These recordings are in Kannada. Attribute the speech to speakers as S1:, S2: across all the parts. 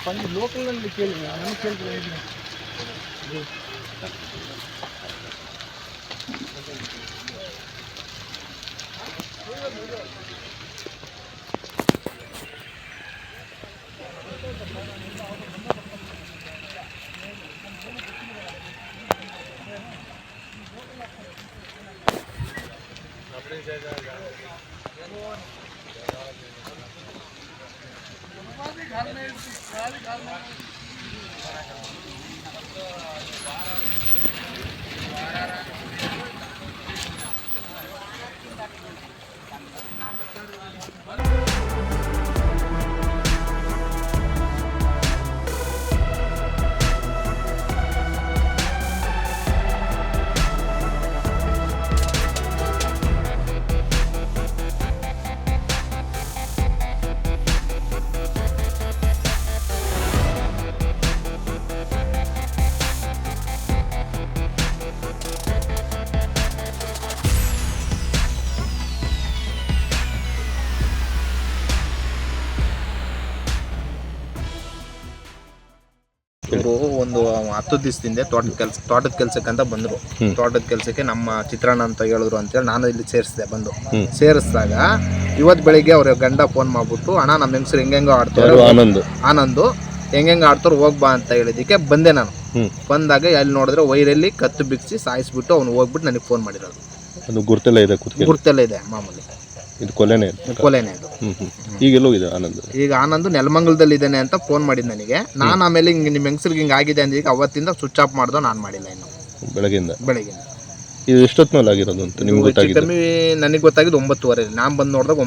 S1: ಲೋಕಲ್ನಲ್ಲಿ ಕೇಳಿ ನನಗೆ ಕೇಳ್ತೀನಿ. ಇವರು ಒಂದು 10 ದಿವಸದಿಂದ ತೋಟದ ಕೆಲಸಕ್ಕಂತ ಬಂದರು. ತೋಟದ ಕೆಲಸಕ್ಕೆ ನಮ್ಮ ಚಿತ್ರಾನ್ನ ಅಂತ ಹೇಳಿದ್ರು ಅಂತೇಳಿ ನಾನು ಇಲ್ಲಿ ಸೇರಿಸಿದೆ. ಬಂದು ಸೇರಿಸಿದಾಗ ಇವತ್ತು ಬೆಳಿಗ್ಗೆ ಅವ್ರ ಗಂಡ ಫೋನ್ ಮಾಡ್ಬಿಟ್ಟು, ಅಣ್ಣ ನಮ್ಮ ಹೆಂಗಸರು ಹೆಂಗೆಂಗೋ ಆಡ್ತಾರೆ, ಆನಂದು ಹೆಂಗೆಂಗೆ ಆಡ್ತಾರೆ ಹೋಗ್ಬಾ ಅಂತ ಹೇಳಿದಕ್ಕೆ ಬಂದೆ ನಾನು. ಬಂದಾಗ ಅಲ್ಲಿ ನೋಡಿದ್ರೆ ವೈರಲ್ಲಿ ಕತ್ತು ಬಿಗಿಸಿ ಸಾಯಿಸ್ಬಿಟ್ಟು ಅವ್ನು ಹೋಗ್ಬಿಟ್ಟು ನನಗೆ ಫೋನ್ ಮಾಡಿರೋದು.
S2: ಅದು ಗುರುತೆಲ್ಲ ಇದೆ
S1: ಮಾಮೂಲಿ.
S2: ಇದು ಕೊಲೆನೇ
S1: ಇದು.
S2: ಈಗೆಲ್ಲೋಗಿದೆ ಆನಂದ್?
S1: ಈಗ ಆನಂದ್ ನೆಲಮಂಗಲದಲ್ಲಿ ಇದ್ದಾನೆ ಅಂತ ಫೋನ್ ಮಾಡಿದ್ ನನಗೆ. ನಾನು ಆಮೇಲೆ ಹಿಂಗೆ ನಿಮ್ಮ ಹೆಂಗಸ್ರಿಗೆ ಹಿಂಗೆ ಆಗಿದೆ ಅಂದ್ರೆ ಈಗ ಅವತ್ತಿಂದ ಸ್ವಿಚ್ ಆಫ್ ಮಾಡ್ದೋ ನಾನು ಮಾಡಿಲ್ಲ ಇನ್ನು ಬೆಳಗ್ಗೆ.
S2: ಇದು ಎಷ್ಟೊತ್ತು ಮೇಲೆ ಆಗಿರೋದು ಅಂತ ನಿಮ್ಗೆ ಗೊತ್ತಾಗಿದೆ?
S1: ಕಮ್ಮಿ ನನಗೆ ಗೊತ್ತಾಗಿದ್ದು 9:15. ನಾನು ಬಂದು ನೋಡಿದಾಗ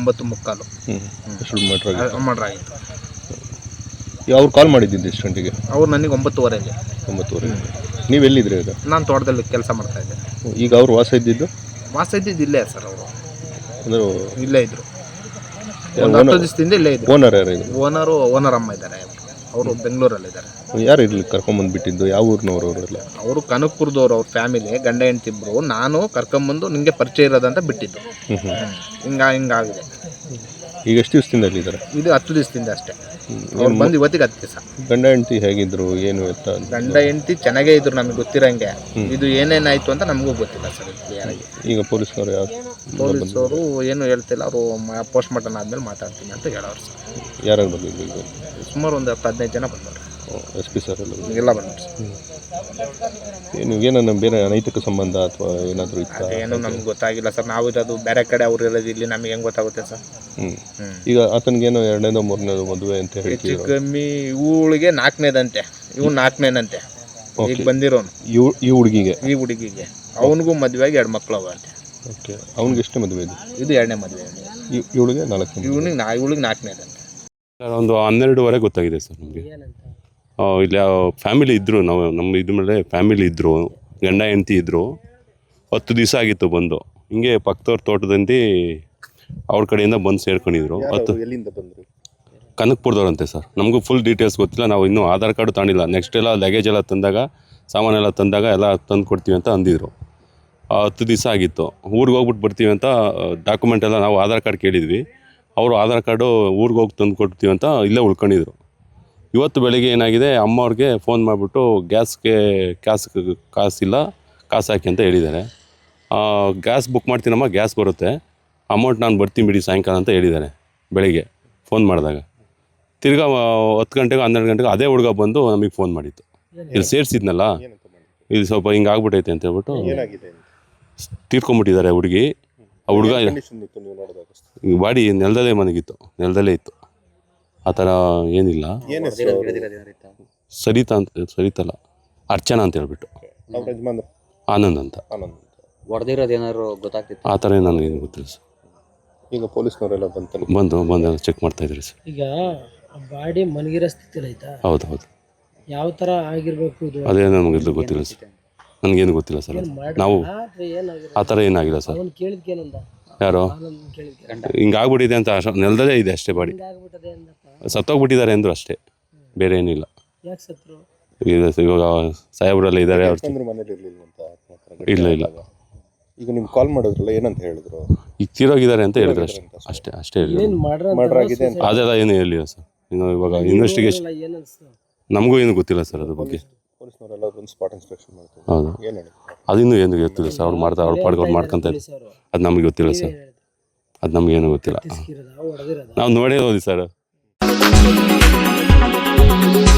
S1: 9:45 ಮರ್ಡರ್ ಆಗಿತ್ತು.
S2: ಅವ್ರು ಕಾಲ್ ಮಾಡಿದ್ದು ಎಷ್ಟು ಗಂಟೆಗೆ?
S1: ಅವ್ರು ನನಗೆ 9:15.
S2: ನೀವು ಎಲ್ಲಿದ್ರಿ ಈಗ?
S1: ನಾನು ತೋಟದಲ್ಲಿ ಕೆಲಸ ಮಾಡ್ತಾ ಇದ್ದೆ.
S2: ಈಗ ಅವ್ರು ವಾಸ ಇದ್ದಿದ್ದು
S1: ಇಲ್ಲೇ ಸರ್. ಅವರು
S2: ಅಂದ್ರೆ
S1: ಇಲ್ಲೇ ಇದ್ರು. 10 ದಿವಸದಿಂದ ಇಲ್ಲೇ ಇದ್ರು.
S2: ಓನರ್ ಯಾರು?
S1: ಓನರ್ ಅಮ್ಮ ಇದ್ದಾರೆ. ಅವರು ಬೆಂಗಳೂರಲ್ಲಿದ್ದಾರೆ.
S2: ಯಾರು ಇಲ್ಲಿ ಕರ್ಕೊಂಬಂದ್ಬಿಟ್ಟಿದ್ದು? ಯಾವ ಊರಿನವರು ಅವರೆಲ್ಲ? ಅವರು
S1: ಕನಕಪುರದವ್ರು. ಅವ್ರ ಫ್ಯಾಮಿಲಿ ಗಂಡ ಹೆಂಡತಿ ಇಬ್ರು. ನಾನು ಕರ್ಕೊಂಬಂದು ನಿಂಗೆ ಪರಿಚಯ ಇರೋದಂತ ಬಿಟ್ಟಿದ್ದು. ಹಿಂಗಾಗಿದೆ.
S2: ಈಗ ಎಷ್ಟು ದಿವಸದಿಂದ ಇಲ್ಲಿದ್ದಾರೆ?
S1: ಇದು 10 ದಿವಸದಿಂದ ಅಷ್ಟೇ. ಅವ್ರು ಬಂದು ಇವತ್ತಿಗೆ 10 ದಿವಸ.
S2: ಗಂಡ ಹೆಂಡತಿ ಹೇಗಿದ್ರು ಏನು ಎತ್ತ?
S1: ಗಂಡ ಹೆಂಡತಿ ಚೆನ್ನಾಗೇ ಇದ್ರು, ನಮಗೆ ಗೊತ್ತಿರಂಗೆ. ಇದು ಏನೇನಾಯ್ತು ಅಂತ ನಮಗೂ ಗೊತ್ತಿಲ್ಲ ಸರ್.
S2: ಈಗ ಪೊಲೀಸವರು
S1: ಏನು ಹೇಳ್ತಿಲ್ಲ. ಅವರು ಪೋಸ್ಟ್ ಮಾರ್ಟಮ್ ಆದ್ಮೇಲೆ ಮಾತಾಡ್ತೀನಿ ಅಂತ ಹೇಳೋರು ಸರ್.
S2: ಯಾರು ಬಂದಿದ್ರು?
S1: ಸುಮಾರು ಒಂದು 15 ಜನ ಬಂದವರು.
S2: SP ಸರ್
S1: ಎಲ್ಲ ಬಂದರು.
S2: ಏನನ್ನ ಬೇರೆ ಅನೈತಿಕ ಸಂಬಂಧ ಅಥವಾ ಏನಾದರೂ ಇತ್ತು?
S1: ಏನು ನಮ್ಗೆ ಗೊತ್ತಾಗಿಲ್ಲ ಸರ್. ನಾವು ಇರೋದು ಬೇರೆ ಕಡೆ, ಅವ್ರು ಇರೋದು ಇಲ್ಲಿ. ನಮಗೆ ಹೆಂಗೆ ಗೊತ್ತಾಗುತ್ತೆ ಸರ್?
S2: ಈಗ ಆತನಿಗೇನೋ 2ನೇದೋ 3ನೇದೋ ಮದುವೆ ಅಂತ ಹೇಳಿ
S1: ಹೆಚ್ಚು ಕಮ್ಮಿ. ಇವಳಿಗೆ 4ನೇದಂತೆ, ಇವ್ನು 4ನೇನಂತೆ. ಈಗ ಬಂದಿರೋನು
S2: ಈ ಹುಡುಗಿಗೆ
S1: ಅವನಿಗೂ ಮದುವೆ ಆಗಿ 2 ಮಕ್ಕಳು ಅವಂತೆ.
S2: ಓಕೆ. ಅವ್ನಿಗೆ ಎಷ್ಟೇ ಮದುವೆ ಇದೆ?
S1: ಇದು 2ನೇ ಮದುವೆ.
S2: ಇವಳಿಗೆ 4ನೇ.
S1: ಇವಳಿಗೆ 4ನೇದಂತೆ.
S3: ಒಂದು 12:15 ಗೊತ್ತಾಗಿದೆ ಸರ್ ನಮಗೆ. ಇಲ್ಲಿ ಫ್ಯಾಮಿಲಿ ಇದ್ದರು. ನಮ್ಮ ಇದ್ರ ಮೇಲೆ ಫ್ಯಾಮಿಲಿ ಇದ್ದರು, ಗಂಡ ಹೆಂಡತಿ ಇದ್ದರು. 10 ದಿವಸ ಆಗಿತ್ತು ಬಂದು. ಹಿಂಗೆ ಪಕ್ಕದವ್ರ ತೋಟದಲ್ಲಿ ಅವ್ರ ಕಡೆಯಿಂದ ಬಂದು ಸೇರ್ಕೊಂಡಿದ್ರು.
S2: ಎಲ್ಲಿಂದ ಬಂದರು?
S3: ಕನಕಪುರದವ್ರಂತೆ ಸರ್. ನಮಗೂ ಫುಲ್ ಡೀಟೇಲ್ಸ್ ಗೊತ್ತಿಲ್ಲ. ನಾವು ಇನ್ನೂ ಆಧಾರ್ ಕಾರ್ಡು ತಗೊಂಡಿಲ್ಲ. ನೆಕ್ಸ್ಟ್ ಎಲ್ಲ ಲಗೇಜ್ ಎಲ್ಲ ತಂದಾಗ, ಸಾಮಾನೆಲ್ಲ ತಂದಾಗ ಎಲ್ಲ ತಂದು ಕೊಡ್ತೀವಿ ಅಂತ ಅಂದಿದ್ರು. 10 ದಿವಸ ಆಗಿತ್ತು. ಊರಿಗೆ ಹೋಗ್ಬಿಟ್ಟು ಬರ್ತೀವಿ ಅಂತ ಡಾಕ್ಯುಮೆಂಟ್ ಎಲ್ಲ ನಾವು ಆಧಾರ್ ಕಾರ್ಡ್ ಕೇಳಿದ್ವಿ. ಅವರು ಆಧಾರ್ ಕಾರ್ಡು ಊರಿಗೆ ಹೋಗಿ ತಂದು ಕೊಡ್ತೀವಿ ಅಂತ ಇಲ್ಲೇ ಉಳ್ಕೊಂಡಿದ್ರು. ಇವತ್ತು ಬೆಳಗ್ಗೆ ಏನಾಗಿದೆ, ಅಮ್ಮವ್ರಿಗೆ ಫೋನ್ ಮಾಡಿಬಿಟ್ಟು ಕಾಸಿಲ್ಲ, ಕಾಸು ಹಾಕಿ ಅಂತ ಹೇಳಿದ್ದಾರೆ. ಗ್ಯಾಸ್ ಬುಕ್ ಮಾಡ್ತೀನಮ್ಮ, ಗ್ಯಾಸ್ ಬರುತ್ತೆ, ಅಮೌಂಟ್ ನಾನು ಬರ್ತೀನಿ ಬಿಡಿ ಸಾಯಂಕಾಲ ಅಂತ ಹೇಳಿದ್ದಾರೆ ಬೆಳಿಗ್ಗೆ ಫೋನ್ ಮಾಡಿದಾಗ. ತಿರ್ಗಾ 10 ಗಂಟೆಗೆ 12 ಗಂಟೆಗೆ ಅದೇ ಹುಡುಗ ಬಂದು ನಮಗೆ ಫೋನ್ ಮಾಡಿತ್ತು. ಇಲ್ಲಿ ಸೇರಿಸಿದ್ನಲ್ಲ, ಇದು ಸ್ವಲ್ಪ ಹಿಂಗೆ ಆಗ್ಬಿಟ್ಟೈತೆ ಅಂತ ಹೇಳ್ಬಿಟ್ಟು ತೀರ್ಕೊಂಬಿಟ್ಟಿದ್ದಾರೆ ಹುಡುಗಿ. ಆ ಹುಡುಗ ಬಾಡಿ ನೆಲದಲ್ಲೇ ನೆಲದಲ್ಲೇ ಇತ್ತು. ಆ ಥರ ಏನಿಲ್ಲ. ಸರಿತಲ್ಲ ಅರ್ಚನಾ ಅಂತ ಹೇಳ್ಬಿಟ್ಟು. ಆನಂದ್ ಅಂತ. ಆ ಥರ ನನಗೇನು ಗೊತ್ತಿಲ್ಲ ಸರ್.
S2: ಈಗ ಪೊಲೀಸ್ನವರೆಲ್ಲ
S3: ಬಂದು ಚೆಕ್ ಮಾಡ್ತಾ ಇದ್ದಾರೆ ಸರ್.
S4: ಈಗ ಬಾಡಿ ಮಲಗಿರೋ ಸ್ಥಿತಿಯಲ್ಲಿ ಐತಾ?
S3: ಹೌದು.
S4: ಯಾವ ಥರ ಆಗಿರಬೇಕು ಇದು?
S3: ಅದೇ ನನಗೆ ಗೊತ್ತಿಲ್ಲ ಸರ್. ನನಗೇನು ಗೊತ್ತಿಲ್ಲ ಸರ್. ನಾವು ಆ ಥರ ಏನಾಗಿಲ್ಲ ಸರ್. ಯಾರು ಹಿಂಗಾಗ್ಬಿಟ್ಟಿದೆ ಅಂತ ನೆಲದಲ್ಲೇ ಇದೆ ಅಷ್ಟೇ. ಬಾಡಿ ಸತ್ತೋಗ್ಬಿಟ್ಟಿದ್ದಾರೆ ಅಂದರು ಅಷ್ಟೇ, ಬೇರೆ ಏನಿಲ್ಲ. ಇವಾಗ ಸಾಹೇಬ್ರೆಲ್ಲ ಇದ್ದಾರೆ. ಇಲ್ಲ.
S2: ಈಗ ನಿಮ್ಗೆ ಕಾಲ್ ಮಾಡಿದ್ರಲ್ಲ, ಏನಂತ ಹೇಳಿದ್ರು?
S3: ಈಗ ತೀರೋಗಿದ್ದಾರೆ ಅಂತ ಹೇಳಿದ್ರು ಅಷ್ಟೇ ಹೇಳಿದ್ರು. ಅದೆಲ್ಲ ಏನು ಹೇಳಿಲ್ಲ ಸರ್. ಇನ್ನು ಇವಾಗ ಇನ್ವೆಸ್ಟಿಗೇಷನ್
S4: ಏನು ಅನಿಸ್ತು?
S3: ನಮಗೂ ಏನು ಗೊತ್ತಿಲ್ಲ ಸರ್ ಅದ್ರ ಬಗ್ಗೆ.
S2: ಪೊಲೀಸ್ನವರೆಲ್ಲ ಒಂದು ಸ್ಪಾಟ್ ಇನ್ಸ್ಪೆಕ್ಷನ್ ಮಾಡ್ತಾರೆ.
S3: ಹೌದು,
S2: ಏನು ಹೇಳಿ
S3: ಅದಿನ್ನೂ ಏನು ಗೊತ್ತಿಲ್ಲ ಸರ್. ಅವ್ರು ಮಾಡ್ತಾರೆ, ಅವ್ರ ಪಾಡ್ಗೆ ಅವ್ರು ಮಾಡ್ಕೊಂತಾರೆ.
S4: ಪೊಲೀಸ್ ಅವರು
S3: ಅದು ನಮಗೆ ಗೊತ್ತಿಲ್ಲ ಸರ್, ಅದು ನಮಗೇನು ಗೊತ್ತಿಲ್ಲ.
S4: ಹೊಡೆದಿರೋದ
S3: ನಾವು ನೋಡೇ ಹೋದಿ ಸರ್.